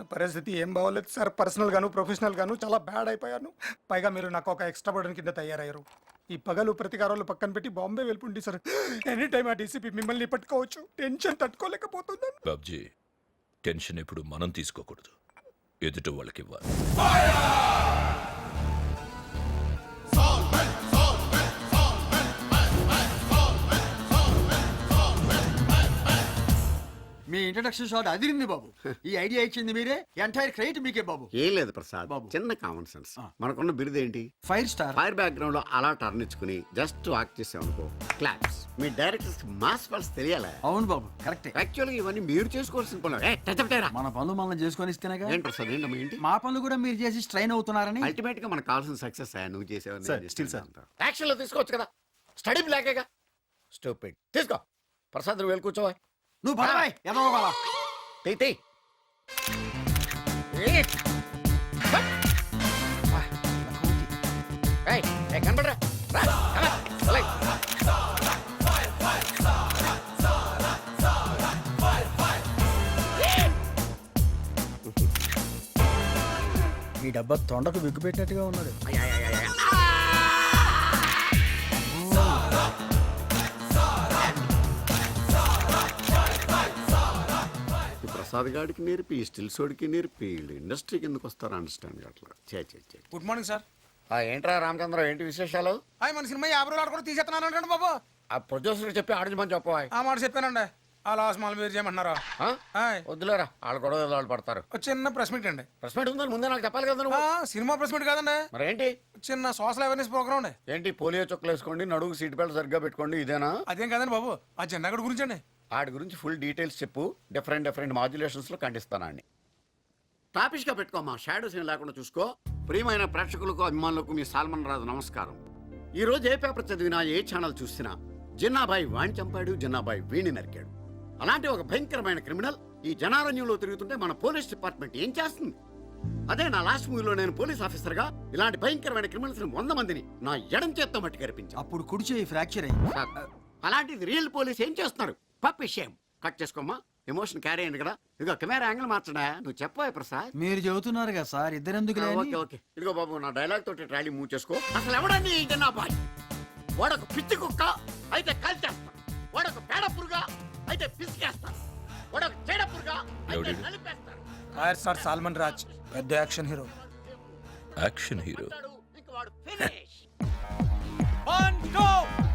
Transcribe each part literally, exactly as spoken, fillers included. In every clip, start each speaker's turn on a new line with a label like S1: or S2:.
S1: పరిస్థితి ఏం బాగోలేదు సార్. పర్సనల్ గాను ప్రొఫెషనల్ గాను చాలా బ్యాడ్ అయిపోయాను. పైగా మీరు నాకు ఒక ఎక్స్ట్రా బర్డన్ కింద తయారయ్యారు. ఈ పగలు ప్రతికారాలు పక్కన పెట్టి బాంబే వెళ్ళిపోండి సార్. ఎనీ టైం ఆ డీసీపీ మిమ్మల్ని పట్టుకోవచ్చు. టెన్షన్ తట్టుకోలేకపోతున్నాను.
S2: బాబ్జీ, టెన్షన్ ఎప్పుడు మనం తీసుకోకూడదు, ఎదుట వాళ్ళకి ఇవ్వాలి.
S3: మీ ఇంట్రడక్షన్ షాట్ అదిరింది బాబు. ఈ ఐడియా ఇచ్చింది మీరే, ఎంటైర్ క్రెడిట్ మీకే బాబు.
S4: ఏం లేదు ప్రసాద్
S3: బాబు.
S4: చిన్న కామన్ సెన్స్. మనకున్న బిరుదు ఏంటి?
S3: Fire star.
S4: ఫైర్ బ్యాక్గ్రౌండ్ లో అలా టర్న్ ఇచ్చుకుని జస్ట్ వాక్ చేసామనుకో క్లాప్స్. మీ డైరెక్టర్స్ మాస్ పల్స్ తెలియాలా?
S3: అవును బాబు, కరెక్టే.
S4: యాక్చువల్గా ఇవన్నీ మీరు చేసుకోవాల్సిన పనులు. ఏ, టచ్ అప్ చేయరా.
S3: మన పనులు మనం చేసుకొని ఇస్తేనేగా.
S4: ఏంటి ప్రసాద్ ఏంటమ్మా ఏంటి?
S3: మా పనులు కూడా మీరు చేసి స్ట్రైన్ అవుతున్నారని.
S4: అల్టిమేట్ గా మనకు కావాల్సిన సక్సెస్ నువ్వు చేసేవని
S5: still sir.
S4: యాక్షన్ లో తీసుకోవచ్చు కదా. స్టడీ బ్లాకేగా స్టూపిడ్. తీసుకో ప్రసాద్, నువ్వు వెళ్ళి కూర్చోవా.
S3: నువ్వు పడవాయ్ ఎదవ బావా.
S4: తీ తీ. ఏయ్, ఏయ్, కనపడరా? రా, come on, select.
S3: ఈ డబ్బా తొండకు విగ్గు పెట్టినట్టుగా ఉన్నాడు.
S4: అయ్, అయ్, అయ్, అయ్. ఈ ప్రసాద్ గాడికి నేర్పి ఈ స్టిల్స్ వాడికి నేర్పి వీళ్ళు ఇండస్ట్రీకి ఎందుకు వస్తారో అండర్స్టాండ్ అట్లా. చే చే చే.
S5: Good morning sir.
S4: ఆ, ఏంట్రా రామచంద్ర, ఏంటి విశేషాలు?
S5: హాయ్, మన సినిమా యాభై రోజులు కూడా తీసేస్తున్నాను అంటే బాబు.
S4: ఆ ప్రొడ్యూసర్ చెప్పి ఆడించమని చెప్పవా.
S5: ఆ మాట చెప్పానండి. ఆ లాస్ మాల్ మీరు చేయమంటున్నారా? హాయ్,
S4: వద్దులేరా, వాళ్ళు గొడవ వాళ్ళు పడతారు.
S5: ఒక చిన్న ప్రెస్ మీట్ అండి.
S4: ప్రెస్ మీట్ ఉందని ముందే నాకు చెప్పాలి కదా నువ్వు.
S5: ఆ, సినిమా ప్రెస్ మీట్ కాదండి,
S4: మరేంటి?
S5: చిన్న సోషల్ అవేర్నెస్ ప్రోగ్రామ్ అండి.
S4: ఏంటి పోలియో చుక్కలు వేసుకోండి, నడుగు సీట్ బెల్ట్ సరిగ్గా పెట్టుకోండి, ఇదేనా?
S5: అదేం కాదండి బాబు, ఆ జెండా గడి గురించి అండి.
S4: వాడి గురించి ఫుల్ డీటెయిల్స్ చెప్పు. డిఫరెంట్ డిఫరెంట్ మాడ్యులేషన్స్ లో ఖండిస్తానండి. టాపిక్ గా పెట్టుకోమా, షాడోస్ ఏం లేకుండా చూసుకో. ప్రియమైన ప్రేక్షకులకు అభిమానులకు మీ సాల్మన్ రాజు నమస్కారం. ఈ రోజు ఏ పేపర్ చదివినా ఏ ఛానల్ చూసినా జిన్నాబాయి వాణ్ణి చంపాడు, జిన్నాబాయి వీణ్ణి నరికాడు. అలాంటి ఒక భయంకరమైన క్రిమినల్ ఈ జనారణ్యంలో తిరుగుతుంటే మన పోలీస్ డిపార్ట్మెంట్ ఏం చేస్తుంది? అదే నా లాస్ట్ మూవీలో నేను పోలీస్ ఆఫీసర్ గా ఇలాంటి భయంకరమైన క్రిమినల్స్ వంద మందిని నా ఎడం చేత్తో మట్టి కనిపించాను.
S3: అప్పుడు కుడి చేయి ఫ్రాక్చర్ అయింది.
S4: అలాంటిది రియల్ పోలీస్ ఏం చేస్తున్నారు? పప్ విషయం కట్ చేసుకోమ్మా, ఎమోషన్ క్యారీ అయింది కదా. ఇదిగో కెమెరా యాంగిల్ మార్చడా, నువ్వు చెప్పవా ప్రసాద్.
S3: మీరు చెబుతున్నారు కదా సార్, ఇద్దరెందుకు లేని?
S4: ఓకే ఓకే, ఇదిగో బాబు నా డైలాగ్ తోటి ట్రాలీ మూవ్ చేసుకో. అసలు ఎవడండి ఈ జనాబాయ్? వాడొక పిచ్చి కుక్క అయితే కాల్చేస్తా, వాడొక పేడ పురుగా అయితే పిసికేస్తాను, వాడొక చెడ పురుగా అయితే నలిపేస్తాను.
S5: హాయ్ సార్, సాల్మన్ రాజ్, పెద్ద యాక్షన్ హీరో.
S2: Action hero.
S4: ఇంక వాడు finish.
S5: One go.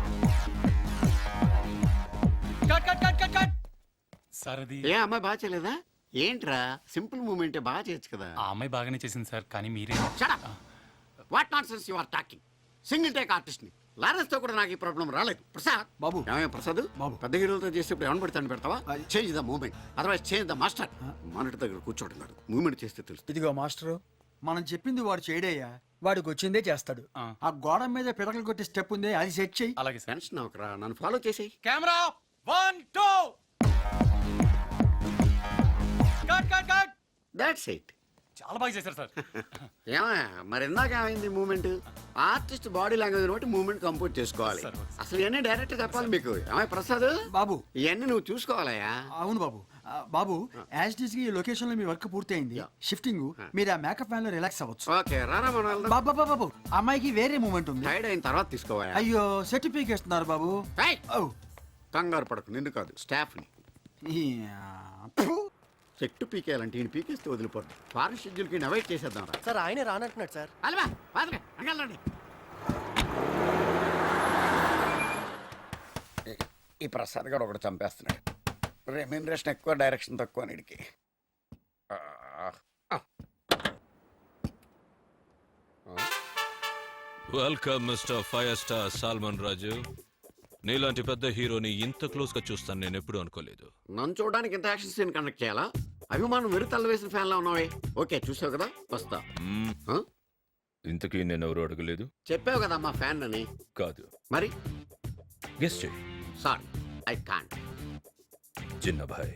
S5: Cut cut cut cut cut.
S6: Sir అది
S4: ఏ అమ్మాయి బాగా చేయలేదా? ఏంట్రా సింపుల్ మూమెంట్ బాగా చేయొచ్చు కదా.
S6: ఆ అమ్మాయి బాగానే చేసింది సార్, కానీ మీరే.
S4: What not sense you are talking. Single take artist ని లారెన్స్ తో కూడా నాకు ఈ ప్రాబ్లం రాలేదు. ప్రసాద్
S3: బాబు.
S4: ఏమయ్య ప్రసాద్
S3: బాబు.
S4: పెద్ద హీరోలతో చేసేప్పుడు ఏమని పెడతాను పెడతావా? Change the moment, otherwise change the master. Monitor దగ్గర కూర్చోవడం కాదు, మూమెంట్ చేస్తే తెలుస్తుంది.
S3: ఇదిగో మాస్టరు, మనం చెప్పింది వాడు చేయడయ్యా, వాడికి వచ్చిందే చేస్తాడు.
S6: ఆ.
S3: ఆ గోడ మీద పిడకలు కొట్టే స్టెప్ ఉంది, అది సెట్ చెయ్యి.
S6: అలాగే సార్.
S4: టెన్షన్ అవకరా, నన్ను ఫాలో చేసేయి.
S5: Camera one two. Cut cut cut.
S4: That's it.
S6: చాలా బాగా చేశారు సార్.
S4: ఏమయ్య మరి ఇందాక ఏమైంది మూమెంట్? ఆర్టిస్ట్ బాడీ లాంగ్వేజ్ బట్టి మూమెంట్ కంపోజ్ చేసుకోవాలి.
S6: సరే, ఓకే.
S4: అసలు ఇవన్నీ డైరెక్ట్ చెప్పాలి మీకు. ఏమయ్య ప్రసాద్
S3: బాబు.
S4: ఇవన్నీ నువ్వు చూసుకోవాలయ్యా.
S3: అవును బాబు. ఆ, బాబు, యాజ్ ఇట్ ఈస్ గా ఈ లొకేషన్ లో మీ వర్క్ పూర్తయింది. షిఫ్టింగ్ మీరు ఆ మేకప్ ఫ్యాన్ లో రిలాక్స్ అవ్వచ్చు.
S4: ఓకే రారా మనం వెళ్దాం.
S3: బాబా బాబు బాబు, అమ్మాయికి వేరే మూమెంట్ ఉంది.
S4: టైర్డ్ అయిన తర్వాత తీసుకోవాలి.
S3: అయ్యో, సర్టిఫికేట్ ఇస్తున్నారు బాబు. ఓ,
S4: కంగారు పడకు, నిన్ను కాదు స్టాఫ్ ని.
S3: ఈ, ఫు.
S4: చెట్టు పీకేయాలంటే ఈయన పీకేస్తే వదిలిపోద్ది. ఫారెన్ షెడ్యూల్ కి అవాయిడ్ చేసేద్దాం రా.
S7: సార్ ఆయనే రానంటున్నాడు సార్.
S4: అలవా పాదలే అంగలండి. ఈ ప్రసాద్ గారు ఒకటి చంపేస్తున్నాడు. రెమ్యూనరేషన్ ఎక్కువ, డైరెక్షన్ తక్కువ నీడికి.
S2: Welcome mister five star Salman Raju. నీలాంటి పెద్ద హీరోని ఇంత క్లోజ్ గా చూస్తాను నేను ఎప్పుడు అనుకోలేదు.
S4: నన్ను చూడడానికి ఇంత యాక్షన్ సీన్ కండక్ట్ చేయాలా? అభిమానం వెరు తల్ల వేసిన ఫ్యాన్ లా ఉన్నావే. ఓకే చూసావు కదా, వస్తా.
S2: మ్మ్.
S4: ఆ?
S2: ఇంతకీ నేను ఎవరు అడగలేదు.
S4: చెప్పావు కదా మా ఫ్యాన్ అని.
S2: కాదు,
S4: మరి
S2: గెస్ట్ చేయి.
S4: Sorry I can't.
S2: Jinnabhai.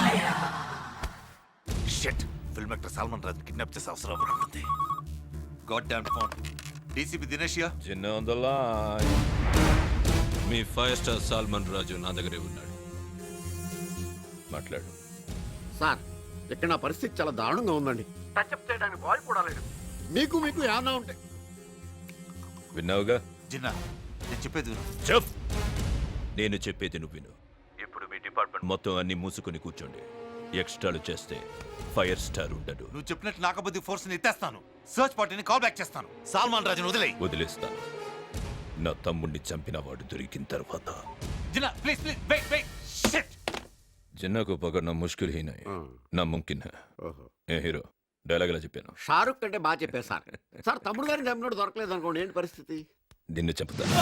S8: Shit, film actor Salman Raj kidnap చేసే అవసరం ఉంటుంది. God damn phone. డీసీపీ దినేషియా.
S2: Jinna on the line. మీ ఫైవ్ స్టార్ సాల్మన్ రాజు నా దగ్గరే ఉన్నాడు, మాట్లాడు.
S4: సార్ ఇక్కడ నా పరిస్థితి చాలా దారుణంగా ఉందండి టచ్అప్ చేయడానికి బాయ్ కూడా లేడు. మీకు మీకు ఏమన్నా ఉంటాయి.
S2: విన్నావుగా?
S8: జిన్నా నేను చెప్పేది విను.
S2: చెప్ నేను చెప్పేది నువ్వు విను. ఇప్పుడు మీ డిపార్ట్మెంట్ మొత్తం అన్ని మూసుకుని కూర్చోండి. ఎక్స్ట్రాలు చేస్తే ఫైర్ స్టార్ ఉండడు.
S8: నువ్వు చెప్పినట్టు నాకబుద్ధి ఫోర్స్ ని ఎత్తేస్తాను. సర్చ్ పార్టీని కాల్ బ్యాక్ చేస్తాను. సాల్మాన్ రాజును వదిలేయ్.
S2: వదిలేస్తాను. నా తమ్ముణ్ణి చంపిన వాడు దొరికిన తర్వాత
S8: Jinna please please wait wait shit.
S2: Jinna को पकड़ना मुश्किल ही नहीं ना मुमकिन है. ఏ హీరో డైలాగ్ ఎలా చెప్పాను?
S4: షారుఖ్ కంటే బాగా చెప్పారు సార్. సార్ తమ్ముడు గారిని చంపినోడు దొరకలేదు అనుకోండి, ఏంటి పరిస్థితి?
S2: దీన్ని చంపుతాను.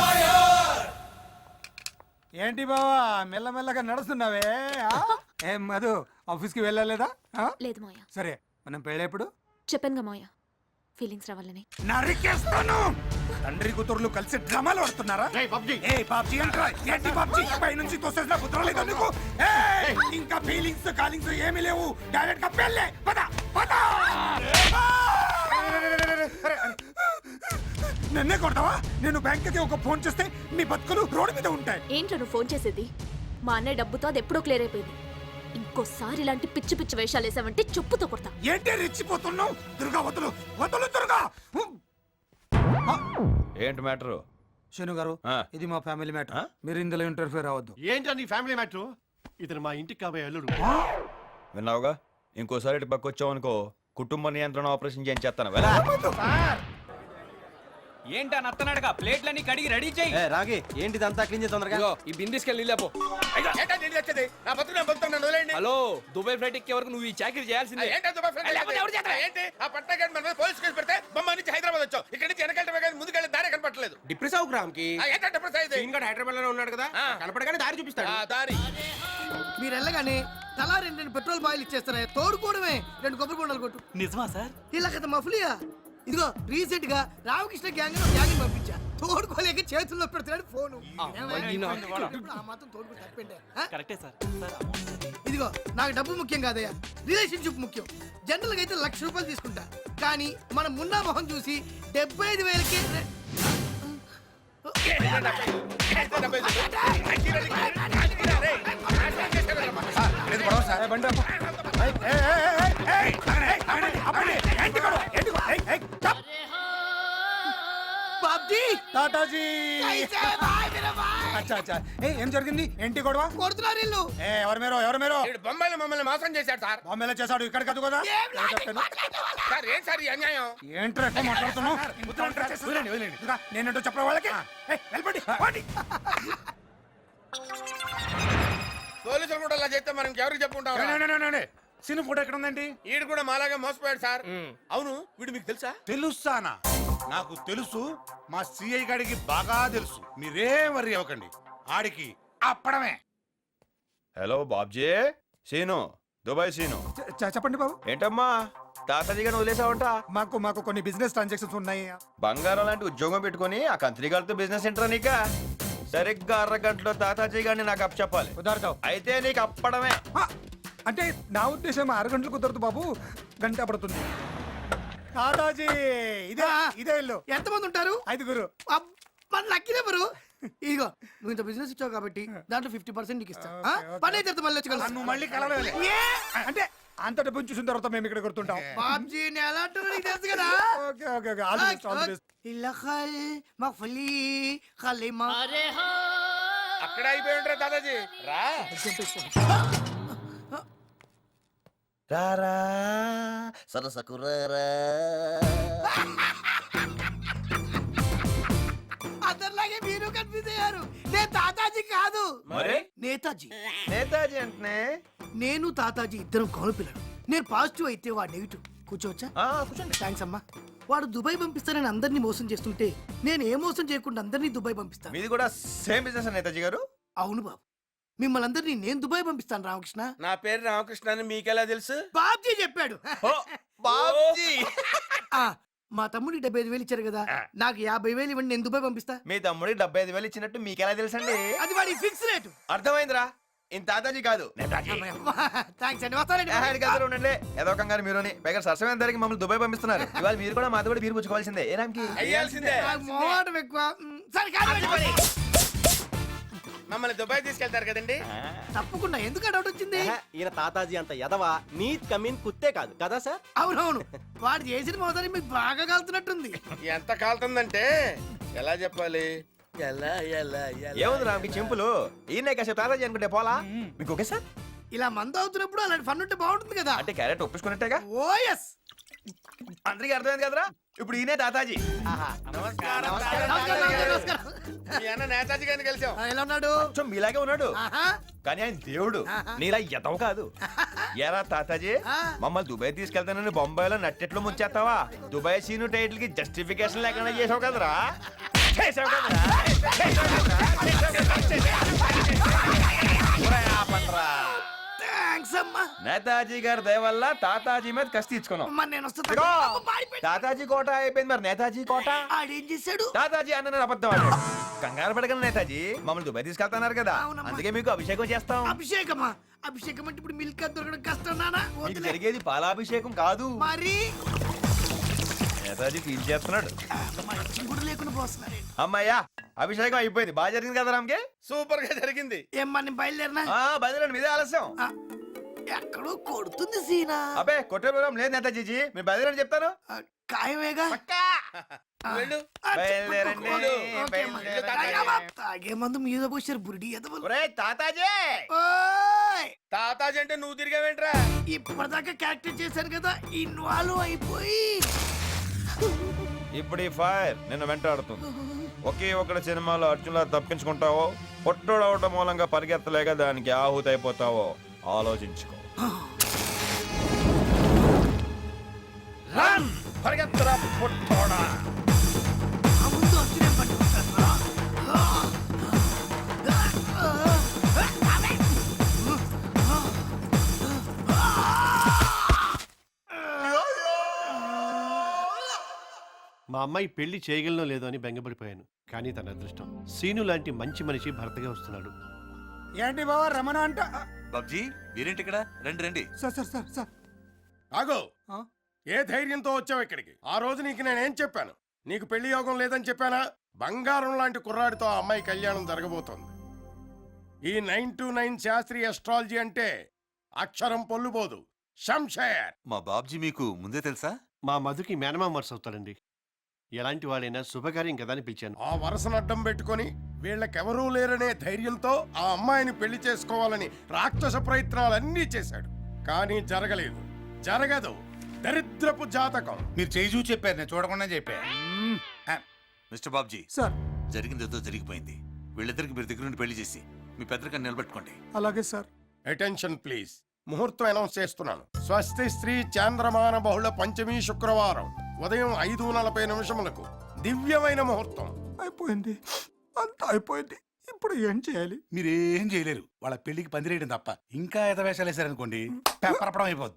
S1: ఏంటి బావా మెల్లమెల్లగా నడుస్తున్నావే ఆ? ఏం మధు ఆఫీస్కి వెళ్ళలేదా ఆ?
S7: లేదు మోయ,
S1: సరే మనం పెళ్ళేప్పుడు
S7: చెప్పానుగా మోయ, ఫీలింగ్స్ రావాలని.
S1: నరికేస్తాను. తండ్రి కూతుర్లు కలిసి డ్రామాలు ఆడుతున్నారా?
S4: ఏయ్, పబ్జి.
S1: ఏ పబ్జి అంటారా? ఏంటి పబ్జి? పై నుంచి తోసేసిన కుదరలేదు నీకు. ఏయ్, ఇంకా ఫీలింగ్స్ కాలింగ్స్ ఏమీ లేవు. డైరెక్ట్ గా పెళ్ళే. పద పద. నన్నే కొడతావా? నేను బ్యాంకుకి ఒక ఫోన్ చేస్తే మీ బతుకులు రోడ్డు మీద ఉంటాయి.
S7: ఏంట్రా నువ్వు ఫోన్ చేసేది? మా అన్నయ్య డబ్బుతో అది ఎప్పుడో క్లియర్ అయిపోయింది. ఇంకోసారి ఇలాంటి పిచ్చి పిచ్చి వేషాలు వేసావంటే చెప్పుతో కొడతా.
S1: ఏంటి రెచ్చిపోతున్నావు? దుర్గా వదులు వదులు దుర్గా.
S9: ఏంటి మ్యాటరు?
S1: శను గారు
S9: ఆ.
S1: ఇది మా ఫ్యామిలీ మ్యాటర్. మీరు ఇందులో ఇంటర్ఫియర్ అవ్వద్దు.
S10: ఏంటో నీ ఫ్యామిలీ మ్యాటర్? ఇతను మా ఇంటికి కాబోయే అల్లుడు.
S9: విన్నావుగా? ఇంకోసారి ఇటు పక్క వచ్చావు అనుకో, కుటుంబ నియంత్రణ ఆపరేషన్ చేయించేస్తాను. వెళ్ళ.
S6: ఏంటా నత్తనాడుగా ప్లేట్లన్నీ కడిగి రెడీ చేయి.
S3: రాగి ఏంటి అంతా క్లీన్ చేసి తొందరగా
S6: ఈ బిందిస్కెళ్ళి లేపో. హలో, దుబాయ్ ఫ్లైట్ ఎక్కే వరకు నువ్వు ఈ చాకరీ చేయాల్సిందే.
S5: హైదరాబాద్ వచ్చావు. ఇక్కడ నుంచి వెనకాల ముందుకెళ్ళి దారి కనపడలేదు.
S10: డిప్రెస్ అవు గ్రామ్ కి హైదరాబాద్ లోనే ఉన్నాడు కదా, కనపడగానే దారి చూపిస్తాడు.
S5: దారి
S3: మీరు వెళ్ళగానే తలా రెండు రెండు పెట్రోల్ బాయిల్ ఇచ్చేస్తారా? తోడుకోవడమే. రెండు కొబ్బరి బొండాలు కొట్టు.
S6: నిజమా సార్?
S3: ఇలా కదా మఫ్లియా. ఇదిగో రీసెంట్ గా రామకృష్ణ గ్యాంగ్ గ్యాంగ్ పంపించా. తోడుకోలేక చేతుల్లో పెడుతున్నాడు ఫోను. ఆ మాత్రం తోడుకు తప్పండి.
S6: కరెక్టే సార్.
S3: ఇదిగో నాకు డబ్బు ముఖ్యం కాదయ్యా, రిలేషన్షిప్ ముఖ్యం. జనరల్ గా అయితే లక్ష రూపాయలు తీసుకుంటా, కానీ మన మున్నా మొహం చూసి డెబ్బై ఐదు వేలకి బాబ్జీ
S1: తాతాజీ. అచ్చా అచ్చా. ఏ ఏం జరిగింది? ఏంటి గొడవ?
S3: కొడుతున్నారు ఇల్లు.
S1: ఏ ఎవరు మీరు ఎవరు మీరు?
S5: బొంబాయిలో మమ్మల్ని మోసం చేశాడు సార్.
S1: బాంబేలో చేశాడు, ఇక్కడ కాదు కదా.
S5: సార్ ఏం సార్ ఈ అన్యాయం?
S1: ఏంట్రా ఎక్కువ మాట్లాడుతున్నావు? ఇంకా నేనేంటో చెప్పరా వాళ్ళకి? ఏయ్, వెళ్ళిపోండి, పోండి.
S5: పోలీసులు కూడా అలా చేస్తే మనం ఎవరికి చెప్పుకుంటాం?
S1: సినిమా ఫోటో ఎక్కడ ఉందండి?
S5: వీడు కూడా మాలాగా మోసపోయాడు సార్. అవును, వీడు మీకు తెలుసా?
S11: తెలుసానా? నాకు తెలుసు. మా సిఐ గాడికి బాగా తెలుసు. మీరేం వరి అవ్వకండి. ఆడికి అప్పడమే.
S9: హలో బాబ్జీ. సీను, దుబాయ్ సీను.
S1: చె- చె- చెప్పండి బాబు.
S9: ఏంటమ్మా తాతాజీ గారిని వదిలేసావంట?
S1: మాకు మాకు కొన్ని బిజినెస్ ట్రాన్సాక్షన్స్ ఉన్నాయి.
S9: బంగారం లాంటి ఉద్యోగం పెట్టుకుని ఆ కంత్రి గారితో బిజినెస్ ఏంట్రా నీక? సరిగ్గా అరగంటలో తాతాజీ గారిని నాకు అప్ చెప్పాలి.
S1: కుదరదు.
S9: అయితే నీకు అప్పడమే.
S1: ఆ, అంటే నా ఉద్దేశం ఆరు గంటలు కుదరదు బాబు, గంట పడుతుంది. తాతాజీ ఇదే ఇదే ఇల్లు.
S3: ఎంతమంది ఉంటారు?
S1: ఐదుగురు.
S3: మన లక్కీ నెంబరు. ఇదిగో నువ్వు ఇంత బిజినెస్ ఇచ్చావు కాబట్టి దాంట్లో ఫిఫ్టీ పర్సెంట్ నీకు ఇస్తా. ఆ? పని అయితే తర్వాత మళ్ళీ వచ్చి కలుస్తా.
S1: నువ్వు మళ్ళీ కలవలే. ఏ? అంటే అంత డబ్బు చూసిన తర్వాత మేము ఇక్కడ గుర్తుంటాం.
S3: బాబ్జీ నేను ఎలాంటి వాడిని తెలుసు కదా.
S1: Okay okay okay. All the best, all the best.
S3: ఇల్లఖల్ మఫ్లీ ఖలీమా.
S5: అక్కడ అయిపోయి ఉంటారు దాదాజీ. రా
S9: రారా సరసకు రారా.
S3: అందరిలాగే మీరు కన్ఫ్యూజ్ అయ్యారు. నేను తాతాజీ కాదు,
S9: మరి
S3: నేతాజీ.
S9: నేతాజీ అంటే
S3: నేను తాతాజీ ఇద్దరం కాను పిల్లలు. నేను పాజిటివ్ అయితే వాడు నెగిటివ్. కూర్చోవచ్చా?
S9: కూర్చోండి.
S3: థ్యాంక్స్ అమ్మా. వాడు దుబాయ్ పంపిస్తానని అందరినీ మోసం చేస్తుంటే నేను ఏ మోసం చేయకుండా అందరినీ దుబాయ్ పంపిస్తాను.
S9: మీది కూడా సేమ్ బిజినెస్ నేతాజీ గారు?
S3: అవును బాబు, మిమ్మల్ని అందరినీ నేను దుబాయ్ పంపిస్తాను రామకృష్ణ.
S5: నా పేరు రామకృష్ణ అని మీకెలా తెలుసు?
S3: బాబ్జీ చెప్పాడు.
S9: బాబ్జీ.
S3: ఆ, మా తమ్ముడికి డెబ్బై ఐదు వేలు ఇచ్చారు కదా, నాకు యాభై వేలు ఇవ్వండి, నేను దుబాయ్ పంపిస్తా.
S9: మీ తమ్ముడికి డెబ్బై ఐదు వేలు ఇచ్చినట్టు మీకెలా తెలుసండి?
S3: అది వాడి ఫిక్స్ రేటు.
S9: అర్థమైందిరా. ఇంత తాతాజీ కాదు.
S3: థ్యాంక్స్ అండి, వస్తానండి.
S9: ఆడి గదిలో ఉండండి. ఏదో కంగారు మీరుని. పైగా సరసమైన ధరకి మమ్మల్ని దుబాయ్ పంపిస్తున్నారు. ఇవాళ మీరు కూడా మాతో కూడా బీరు పుచ్చుకోవాల్సిందే. ఏ రామ్కి?
S5: అయ్యాల్సిందే.
S3: నాకు మోహమాటం ఎక్కువ. మ్, సరే కాదు.
S5: మమ్మల్ని దుబాయ్ తీసుకెళ్తారు కదండి
S3: తప్పకుండా ఎందుకు డౌట్ వచ్చింది
S6: ఈయన తాతాజీ అంత ఎదవా నీత్ కమీన్ కుత్తే కాదు కదా సార్?
S3: అవునవును వాడు చేసిన మోసాన్ని మీకు బాగా కలుతున్నట్టుంది.
S5: ఎంత కాలుతుందంటే ఎలా చెప్పాలి ఎలా ఎలా ఎలా
S9: ఏముంది రామ్కి చెంపులు ఈయన కాసేపు తాతాజీ అనుకుంటే పోలా మీకు ఓకే సార్?
S3: ఇలా మందు అవుతున్నప్పుడు అలాంటి ఫన్ ఉంటే బాగుంటుంది కదా.
S9: అంటే క్యారెట్ ఒప్పించుకున్నట్టేగా.
S3: ఓ ఎస్
S9: అందరికీ అర్థమైంది కదరా? ఇప్పుడు ఈయనే తాతాజీ.
S5: నమస్కారం
S3: నమస్కారం, నమస్కారం, నమస్కారం.
S5: మీ అన్న నేతాజీ గారిని కలిసాం
S3: ఆ, ఎలా ఉన్నాడు?
S9: కొంచెం మీలాగే ఉన్నాడు
S3: ఆహా.
S9: కానీ ఆయన దేవుడు నీలా ఎదవ కాదు. ఏరా తాతాజీ
S3: ఆ.
S9: మమ్మల్ని దుబాయ్ తీసుకెళ్తానని బొంబాయిలో నట్టెట్లు ముంచేస్తావా? దుబాయ్ సీను టైటిల్ కి జస్టిఫికేషన్ లేకుండా చేసావు కదరా? చేసావు కదరా? చేసావు కదరా? చేసావు కదరా? ఒరేయ్, ఆపండ్రా.
S3: థాంక్స్ అమ్మా.
S9: నేతాజీ గారి దయ వల్ల తాతాజీ మీద కసి తీర్చుకున్నాం.
S3: అమ్మా, నేను వస్తా.
S9: ఇదిగో,
S3: అమ్మ, పాడిపోయింది.
S9: తాతాజీ కోట అయిపోయింది, మరి నేతాజీ కోట.
S3: ఆడేం చేశాడు?
S9: తాతాజీ అన్న అబద్ధం ఆడాడు. కంగారు పడగల నేతాజీ మమ్మల్ని దుబాయ్ తీసుకెళ్తున్నారు కదా,
S3: అవునమ్మా.
S9: అందుకే మీకు అభిషేకం చేస్తాం.
S3: అభిషేకమా? అభిషేకం అంటే ఇప్పుడు మిల్క్ అది దొరకడం కష్టం నానా.
S9: మీకు
S3: వదిలే.
S9: జరిగేది పాలాభిషేకం కాదు.
S3: మరి
S9: నేతాజీ ఫీల్ చేస్తున్నాడు.
S3: మంచి కూడా లేకుండా పోస్తున్నాడు.
S9: అమ్మయ్యా అభిషేకం అయిపోయింది. బాగా జరిగింది కదా రామ్కి?
S5: సూపర్ గా జరిగింది.
S3: ఏమ్మా నేను బయలుదేరినా?
S9: ఆ బయలుదేరండి, మీదే ఆలస్యం.
S3: ఆ, ఎక్కడో కొడుతుంది సీనా.
S9: అబ్బే కొట్టే ప్రోగ్రాం లేదు నేతాజీ, మీరు బయలుదేరండి చెప్తాను.
S3: ఆ, ఖాయమేగా. ఆ,
S5: వెళ్ళు.
S3: ఆ,
S9: బయలుదేరండి,
S3: ఓకే అమ్మా.
S9: బయలుదేరండి.
S3: తాగమ్మా. తాగే మందు మీద పోసారు బురిడి ఎదవలు.
S9: ఒరేయ్ తాతాజీ,
S3: ఓయ్!
S5: తాతాజీ అంటే నువ్వు తిరిగావేంట్రా?
S3: ఇప్పటిదాకా క్యారెక్టర్ చేశాను కదా, ఇన్వాల్వ్ అయిపోయి
S9: ఇప్పుడు ఈ ఫైర్ నిన్ను వెంటాడుతుంది. ఒకే ఒకటి సినిమాలో అర్జున్లా తప్పించుకుంటావో, పొట్టోడవటం మూలంగా పరిగెత్తలేక దానికి ఆహుతి అయిపోతావో ఆలోచించుకో.
S5: రన్ పరిగెత్తరా పొట్టోడా.
S3: ఆ ముందు అర్జునే పట్టుకుంటారా?
S10: మా అమ్మాయి పెళ్లి చేయగలనో లేదో అని బెంగపడిపోయాను. కానీ తన అదృష్టం సీను లాంటి మంచి మనిషి భర్తగా వస్తున్నాడు.
S1: ఏంటి బావా రమణ అంట?
S8: బాబ్జీ మీరేంటి ఇక్కడ? రండి రండి.
S1: సార్ సార్ సార్ సార్
S11: ఆగో,
S1: ఆ?
S11: ఏ ధైర్యంతో వచ్చావు ఇక్కడికి? ఆ రోజు నీకు నేనేం చెప్పాను? నీకు పెళ్లి యోగం లేదని చెప్పానా? బంగారం లాంటి కుర్రాడితో ఆ అమ్మాయి కళ్యాణం జరగబోతోంది. ఈ నైన్ టు నైన్ శాస్త్రీయ అస్ట్రాలజీ అంటే అక్షరం పొల్లుబోదు. శంషేర్.
S8: మా బాబ్జీ మీకు ముందే తెలుసా?
S10: మా మధుకి మేనమామ వరుస అవుతాడండి. ఎలాంటి వాడైనా శుభకార్యం కదా అని పిలిచాను.
S11: ఆ వరుసను అడ్డం పెట్టుకొని వీళ్ళకెవరూ లేరనే ధైర్యంతో ఆ అమ్మాయిని పెళ్లి చేసుకోవాలని రాక్షస ప్రయత్నాలన్నీ చేశాడు. కానీ జరగలేదు, జరగదు. దరిద్రపు జాతకం.
S5: మీరు చేయి చూసి చెప్పారు, నేను చూడకుండా చెప్పా.
S8: మిస్టర్ బాబ్జీ,
S1: సార్
S8: జరిగింది ఏదో జరిగిపోయింది. వీళ్ళిద్దరికి మీరు దగ్గర నుండి పెళ్లి చేసి మీ పెద్దరికని నిలబెట్టుకోండి.
S1: అలాగే సార్.
S11: Attention please. ముహూర్తం అనౌన్స్ చేస్తున్నాను. స్వస్తి శ్రీ చాంద్రమాన బహుళ పంచమి శుక్రవారం ఉదయం ఐదు నలభై నిమిషములకు దివ్యమైన ముహూర్తం.
S1: అయిపోయింది, అంతా అయిపోయింది. ఇప్పుడు ఏం చేయాలి?
S5: మీరేం చేయలేరు. వాళ్ళ పెళ్లికి పందిరేయడం తప్ప. ఇంకా ఎద వేషాలు వేసారనుకోండి, పేపరపడం అయిపోద్ది.